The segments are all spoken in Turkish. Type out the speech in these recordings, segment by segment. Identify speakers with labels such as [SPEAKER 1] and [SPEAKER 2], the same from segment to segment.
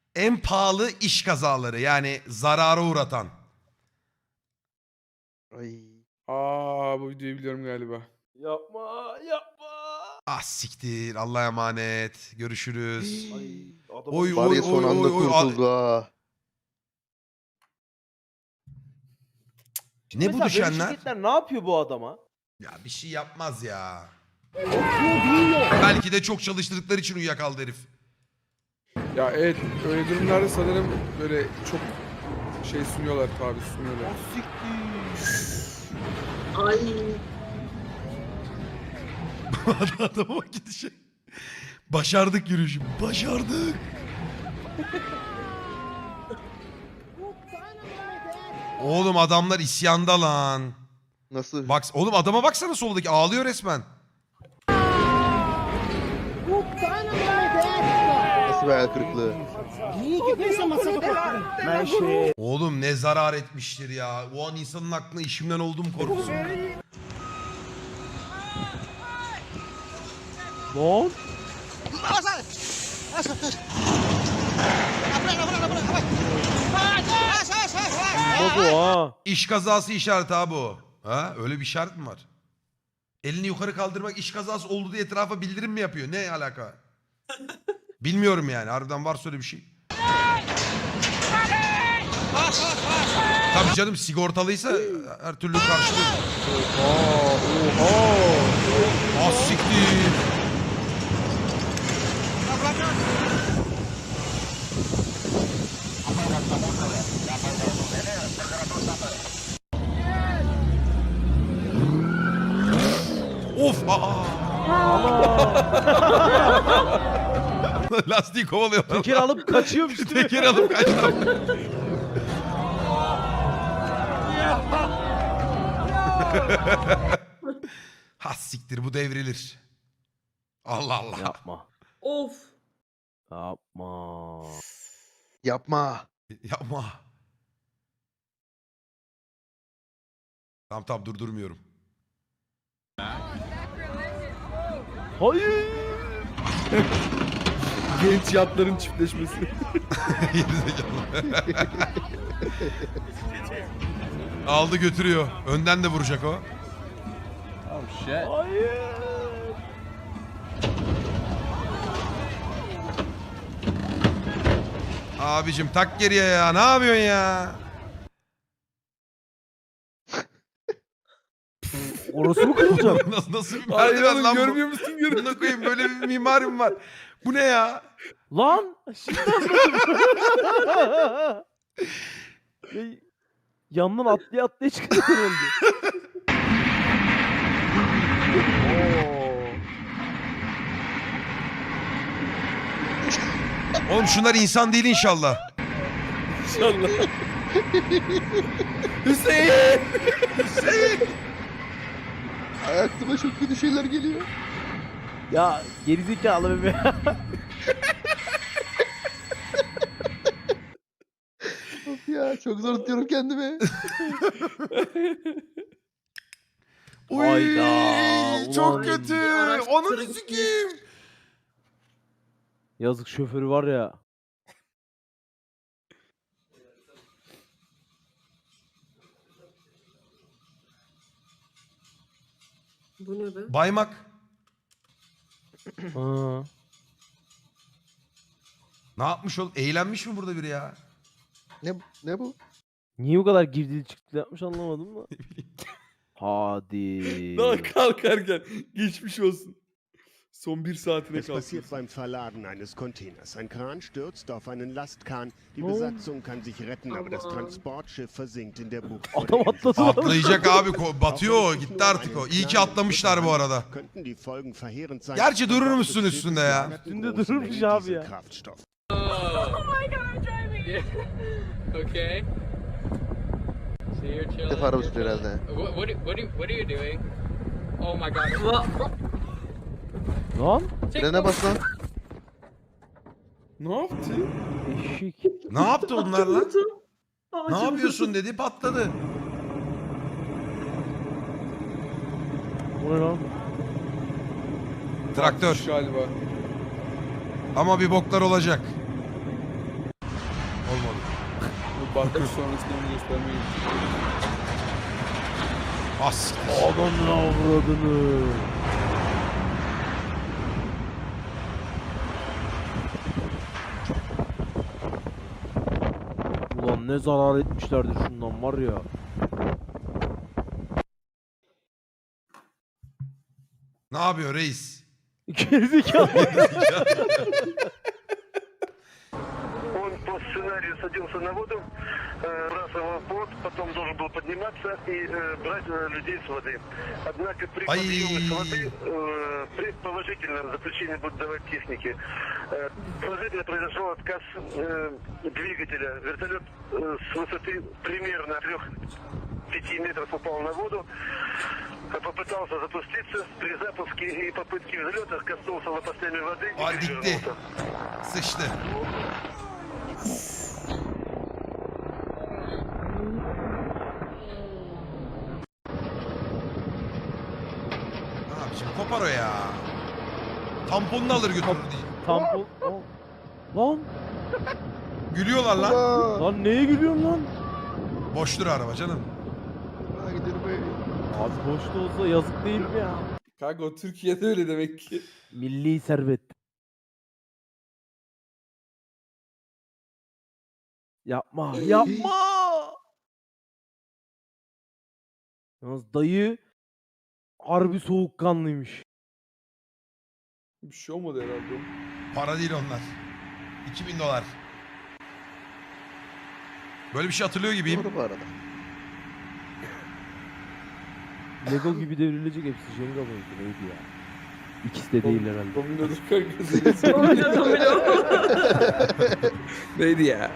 [SPEAKER 1] En pahalı iş kazaları, yani zarara uğratan.
[SPEAKER 2] Ay.
[SPEAKER 3] Bu videoyu biliyorum galiba.
[SPEAKER 4] Yapma yapma.
[SPEAKER 1] Ah siktir, Allah'a emanet. Görüşürüz.
[SPEAKER 4] Ay adama
[SPEAKER 1] Oy,
[SPEAKER 4] bir
[SPEAKER 2] Var
[SPEAKER 1] oy,
[SPEAKER 2] ya son
[SPEAKER 1] oy,
[SPEAKER 2] anda
[SPEAKER 1] oy, oy.
[SPEAKER 2] kurtuldu ha.
[SPEAKER 1] Ne bu
[SPEAKER 4] Mesela böyle
[SPEAKER 1] düşenler?
[SPEAKER 4] şirketler ne yapıyor bu adama?
[SPEAKER 1] Ya bir şey yapmaz ya. Belki de çok çalıştırdıkları için uyuyakaldı herif.
[SPEAKER 3] Ya evet, öyle durumlarda sanırım böyle çok şey sunuyorlar, tabi sunuyorlar.
[SPEAKER 1] Adama bak gidişe. Başardık yürüyüşü. Başardık. Oğlum adamlar isyanda lan.
[SPEAKER 2] Nasıl?
[SPEAKER 1] Bak oğlum, adama baksana soldaki, ağlıyor resmen.
[SPEAKER 2] Nasıl bir hayal kırıklığı?
[SPEAKER 1] Oğlum ne zarar etmiştir ya. O an insanın aklına işimden olduğum korkusu.
[SPEAKER 5] Lan. Olmaz o ha.
[SPEAKER 1] İş kazası işareti abi o. Ha, öyle bir işaret mi var? Elini yukarı kaldırmak iş kazası oldu diye etrafa bildirim mi yapıyor? Ne alaka? Bilmiyorum yani. Harbiden varsa öyle bir şey. Tabii canım, sigortalıysa her türlü karşılıyor. Ah siktir. Of, lastiği kovalıyor.
[SPEAKER 5] Teker alıp kaçıyormuş.
[SPEAKER 1] Teker alıp kaçtı. Ha siktir, bu devrilir. Allah Allah.
[SPEAKER 5] Yapma.
[SPEAKER 6] Of.
[SPEAKER 5] Yapma.
[SPEAKER 2] Yapma.
[SPEAKER 1] Yapma. Tamam durdurmuyorum.
[SPEAKER 5] Hayır.
[SPEAKER 3] Genç yatların çiftleşmesi.
[SPEAKER 1] Gerizekalı. Aldı götürüyor. Önden de vuracak o.
[SPEAKER 5] Hayır.
[SPEAKER 1] Abicim tak geriye ya. Ne yapıyorsun ya?
[SPEAKER 5] Orası mı kırılacak?
[SPEAKER 1] Nasıl bir
[SPEAKER 3] Hayır
[SPEAKER 1] merdiven
[SPEAKER 3] oğlum,
[SPEAKER 1] lan bu?
[SPEAKER 3] görmüyor musun?
[SPEAKER 1] Buna koyayım, böyle bir mimarim var. Bu ne ya?
[SPEAKER 5] Lan. Şimdi anladım. Ya, yandan atlaya atlaya çıkıyor herhalde.
[SPEAKER 1] Oğlum şunlar insan değil inşallah.
[SPEAKER 3] İnşallah. Hüseyin!
[SPEAKER 2] Aklıma çok kötü şeyler geliyor.
[SPEAKER 5] Ya gerizekalı bebe.
[SPEAKER 2] Of ya, çok zor tutuyorum kendimi.
[SPEAKER 1] Uy,
[SPEAKER 5] Hayda,
[SPEAKER 1] çok
[SPEAKER 5] ulan.
[SPEAKER 1] kötü.
[SPEAKER 6] Araç
[SPEAKER 1] Onu
[SPEAKER 6] tırı
[SPEAKER 1] sikeyim.
[SPEAKER 5] Yazık, şoförü var ya.
[SPEAKER 6] Bu ne be?
[SPEAKER 1] Baymak.
[SPEAKER 5] Ha.
[SPEAKER 1] Ne yapmış oğlum? Eğlenmiş mi burada biri ya?
[SPEAKER 2] Ne bu?
[SPEAKER 5] Niye bu kadar girdili çıktılı yapmış anlamadım da. Hadi.
[SPEAKER 3] Daha kalkarken geçmiş olsun. Son 1 saatine
[SPEAKER 7] Es passiert
[SPEAKER 3] kalktı.
[SPEAKER 7] beim Verladen eines Containers. Ein Kran stürzt auf einen Lastkahn. Die
[SPEAKER 5] Oh.
[SPEAKER 7] Besatzung kann sich retten, aber das
[SPEAKER 6] Aman.
[SPEAKER 7] Transportschiff versinkt in der Bucht. vor
[SPEAKER 5] Adam
[SPEAKER 7] der Insel.
[SPEAKER 5] atladı lan.
[SPEAKER 1] Atlayacak abi. Batıyor o.
[SPEAKER 7] Auch wenn es
[SPEAKER 1] Gitti
[SPEAKER 7] nur
[SPEAKER 1] artık o.
[SPEAKER 7] einen
[SPEAKER 1] İyi ki
[SPEAKER 7] kleinen
[SPEAKER 1] atlamışlar
[SPEAKER 7] Schritt
[SPEAKER 1] bu
[SPEAKER 7] war,
[SPEAKER 1] arada.
[SPEAKER 7] könnten die Folgen verheerend sein.
[SPEAKER 1] Gerçi durur
[SPEAKER 7] An Bord
[SPEAKER 1] musun
[SPEAKER 7] des
[SPEAKER 1] üstünde
[SPEAKER 7] Schiffes
[SPEAKER 1] ya?
[SPEAKER 7] lagerten
[SPEAKER 5] Üstünde
[SPEAKER 7] große
[SPEAKER 5] dururmuş
[SPEAKER 7] Mengen
[SPEAKER 5] abi ya.
[SPEAKER 7] Dieselkraftstoff.
[SPEAKER 8] Okay. So you're
[SPEAKER 2] Bir
[SPEAKER 8] chilling.
[SPEAKER 2] defa araba
[SPEAKER 8] you're
[SPEAKER 2] sürüyor
[SPEAKER 8] chilling.
[SPEAKER 2] herhalde.
[SPEAKER 8] What are you doing? Oh my god.
[SPEAKER 5] Lan.
[SPEAKER 2] Frene bas lan.
[SPEAKER 3] Ne yaptı?
[SPEAKER 5] Eşek.
[SPEAKER 1] Ne yaptı onlar lan?
[SPEAKER 6] Vurdu.
[SPEAKER 1] Ne
[SPEAKER 6] Ağacı
[SPEAKER 1] yapıyorsun dedi, patladı.
[SPEAKER 5] Bu ne lan?
[SPEAKER 1] Traktör.
[SPEAKER 3] Galiba.
[SPEAKER 1] Ama bir boklar olacak.
[SPEAKER 3] Batış sonrasında onu göstermeyi.
[SPEAKER 1] As.
[SPEAKER 5] Adamın avradını. Ulan ne zarar etmişlerdir şundan var ya.
[SPEAKER 1] Ne yapıyor reis?
[SPEAKER 5] Gerizekalı.
[SPEAKER 9] Он по сценарию садился на воду, бросал плот, потом должен был подниматься и брать людей с воды. Однако при подъеме с воды предположительно заключение будут давать техники. Положительно произошел отказ двигателя. Вертолет с высоты примерно 3-5 метров упал на воду. Попытался запуститься. При запуске и попытке взлета коснулся лопастями воды и
[SPEAKER 1] Aa dikti.
[SPEAKER 9] перевернулся.
[SPEAKER 1] Sıçtı. Ne yapacağım? Kopar o ya. Tamponunu alır götürür diye.
[SPEAKER 5] Tampon. Aa. Lan.
[SPEAKER 1] Gülüyorlar lan.
[SPEAKER 2] Aa,
[SPEAKER 5] Lan neye gülüyorsun lan?
[SPEAKER 1] Boştur araba canım.
[SPEAKER 2] aa, gidelim be.
[SPEAKER 5] Abi boşta olsa yazık değil mi ya?
[SPEAKER 3] Kanka o Türkiye'de öyle demek ki.
[SPEAKER 5] Milli servet. Yapma, yapma. Yalnız dayı harbi soğukkanlıymış.
[SPEAKER 3] Bir şey olmadı herhalde.
[SPEAKER 1] Para değil onlar. $2000. Böyle bir şey hatırlıyor gibiyim.
[SPEAKER 2] Doğru bu arada.
[SPEAKER 5] Lego gibi devrilecek hepsi Jenga mıydı neydi ya? İkisi de değil herhalde.
[SPEAKER 3] Domino'dur kanka.
[SPEAKER 6] Domino domino.
[SPEAKER 3] Neydi ya?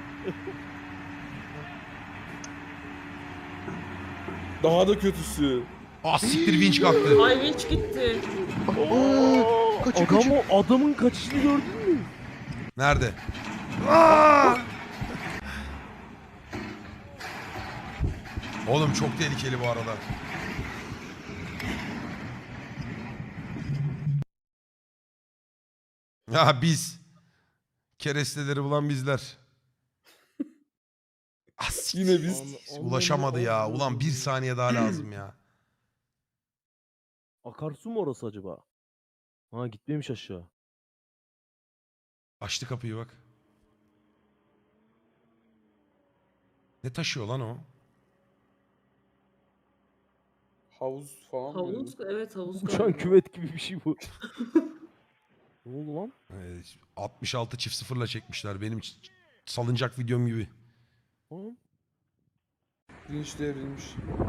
[SPEAKER 3] Daha da kötüsü.
[SPEAKER 1] Ah siktir vinç kalktı.
[SPEAKER 6] Ay vinç gitti.
[SPEAKER 2] Aa, kaçıyor, kaçıyor.
[SPEAKER 5] Adamın kaçışını gördün mü?
[SPEAKER 1] Nerede? Aa! Oğlum çok tehlikeli bu arada. Ya biz. Keresteleri bulan bizler. Ah, siktir.
[SPEAKER 3] Yine biz.
[SPEAKER 1] Ulaşamadı ya. Ulan bir saniye daha lazım ya.
[SPEAKER 5] Akarsu mu orası acaba? Ha gitmemiş aşağı.
[SPEAKER 1] Açtı kapıyı bak. Ne taşıyor lan o?
[SPEAKER 3] Havuz falan mı?
[SPEAKER 6] Havuz, evet havuz
[SPEAKER 5] Uçan
[SPEAKER 6] galiba.
[SPEAKER 5] küvet gibi bir şey bu. Ne oldu lan?
[SPEAKER 1] 66 çift sıfırla çekmişler. Benim salıncak videom gibi.
[SPEAKER 5] Ha?
[SPEAKER 3] Vinç devrilmiş.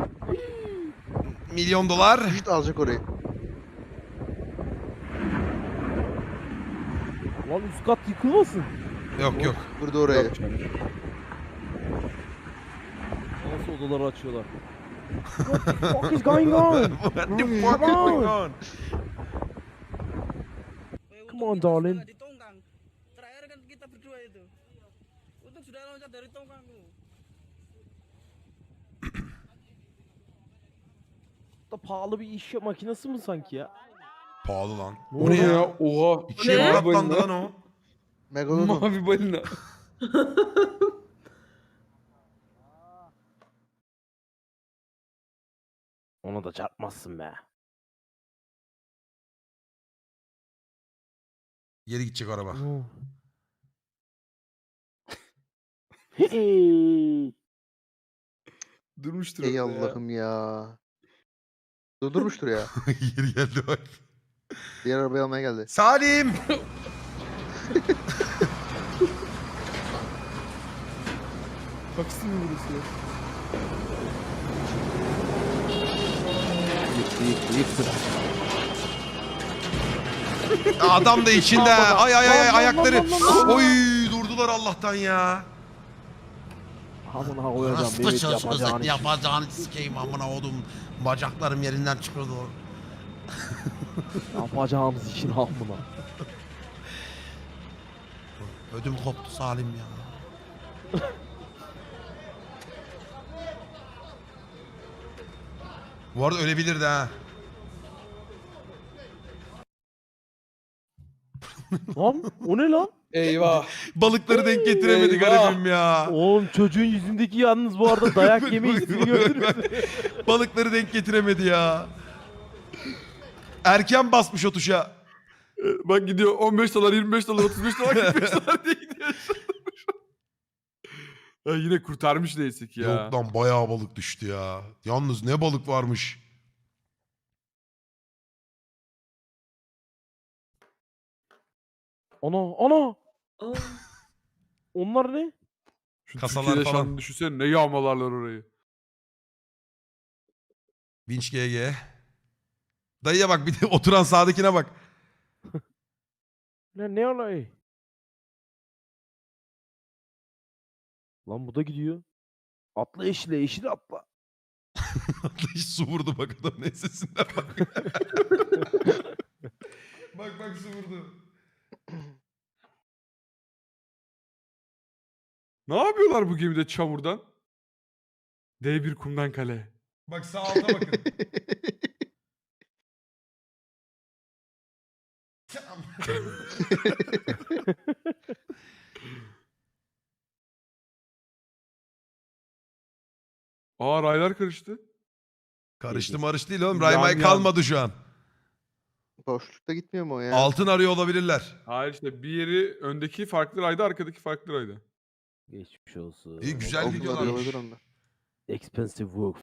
[SPEAKER 1] $1 milyon.
[SPEAKER 2] İşte alacak orayı.
[SPEAKER 5] Lan üst kat yıkılmasın.
[SPEAKER 1] Yok yok.
[SPEAKER 2] Burada oraya.
[SPEAKER 3] Yok canım.
[SPEAKER 5] Nasıl odaları açıyorlar? What the fuck is going on?
[SPEAKER 1] What the fuck is going on?
[SPEAKER 5] Come on darling.
[SPEAKER 10] Di tongkang. Terakhir kan kita berdua itu. Untuk sudah loncat dari tongkang tuh.
[SPEAKER 5] Da pahalı bir iş makinesi mi sanki ya?
[SPEAKER 1] Pahalı lan.
[SPEAKER 5] Ne
[SPEAKER 1] O ne ya?
[SPEAKER 3] Oha.
[SPEAKER 1] İkiye
[SPEAKER 6] Ne?
[SPEAKER 1] katlandı lan o.
[SPEAKER 2] Megalodon.
[SPEAKER 3] Mavi balina.
[SPEAKER 5] Ona da çarpmazsın be.
[SPEAKER 1] Geri gidecek araba.
[SPEAKER 3] Durmuştur
[SPEAKER 2] Ey
[SPEAKER 3] orada ya.
[SPEAKER 2] Allah'ım ya. Durdurmuştur ya.
[SPEAKER 1] Geri geldi bak.
[SPEAKER 2] Diğer arabayı almaya geldi.
[SPEAKER 1] Salim!
[SPEAKER 3] Taksi mi burası ya?
[SPEAKER 5] Yıktı.
[SPEAKER 1] Adam da içinde. Ay ay ay
[SPEAKER 5] Lan, lan,
[SPEAKER 1] ayakları.
[SPEAKER 5] lan, lan, lan.
[SPEAKER 1] Oy durdular Allah'tan ya.
[SPEAKER 5] Amına koyacağım.
[SPEAKER 1] Hasta
[SPEAKER 5] Evet
[SPEAKER 1] çalışıyorsak
[SPEAKER 5] yapacağın iş.
[SPEAKER 1] yapacağını sikeyim amına oğlum. Bacaklarım yerinden çıkıyordu.
[SPEAKER 5] Yapacağımız işin amına.
[SPEAKER 1] Ödüm koptu Salim ya. Bu arada ölebilirdi ha.
[SPEAKER 5] Lan o ne lan?
[SPEAKER 3] Eyvah.
[SPEAKER 1] Balıkları denk getiremedi
[SPEAKER 3] Eyvah.
[SPEAKER 1] garibim ya.
[SPEAKER 5] Oğlum çocuğun yüzündeki yalnız bu arada dayak yeme hissini gördünüz mü?
[SPEAKER 1] Balıkları denk getiremedi ya. Erken basmış o tuşa.
[SPEAKER 3] Bak gidiyor 15 dolar, 25 dolar, 35 dolar, 45 dolar diye gidiyor. Ya yine kurtarmış neyse ki ya.
[SPEAKER 1] Yok lan bayağı balık düştü ya. Yalnız ne balık varmış.
[SPEAKER 5] Ana.
[SPEAKER 6] Aa,
[SPEAKER 5] Onlar ne?
[SPEAKER 3] Şu
[SPEAKER 1] Kasalar
[SPEAKER 3] Türkiye'de
[SPEAKER 1] falan.
[SPEAKER 3] yaşandığını düşünsene ne yağmalarlar orayı.
[SPEAKER 1] Vinç GG. Dayıya bak bir de oturan sağdakine bak.
[SPEAKER 5] Ne olay? Lan bu da gidiyor. Atla eşile atla.
[SPEAKER 1] Hiç su vurdu bak adam ne sesinden bak. bak su vurdu.
[SPEAKER 3] Ne yapıyorlar bu gemide çamurdan? D1 kumdan kale.
[SPEAKER 1] Bak sağ alta bakın.
[SPEAKER 3] Aa raylar karıştı.
[SPEAKER 1] Karıştı marış değil oğlum.
[SPEAKER 3] Yan
[SPEAKER 1] Raymay
[SPEAKER 3] yan.
[SPEAKER 1] kalmadı şu an.
[SPEAKER 2] Boşlukta gitmiyor mu o ya?
[SPEAKER 1] Altın arıyor olabilirler.
[SPEAKER 3] Hayır işte bir yeri öndeki farklı rayda, arkadaki farklı rayda.
[SPEAKER 5] Geçmiş olsun.
[SPEAKER 1] İyi güzel
[SPEAKER 2] Altın
[SPEAKER 1] videolarmış.
[SPEAKER 2] arıyorlar onlar.
[SPEAKER 5] Expensive Wolf.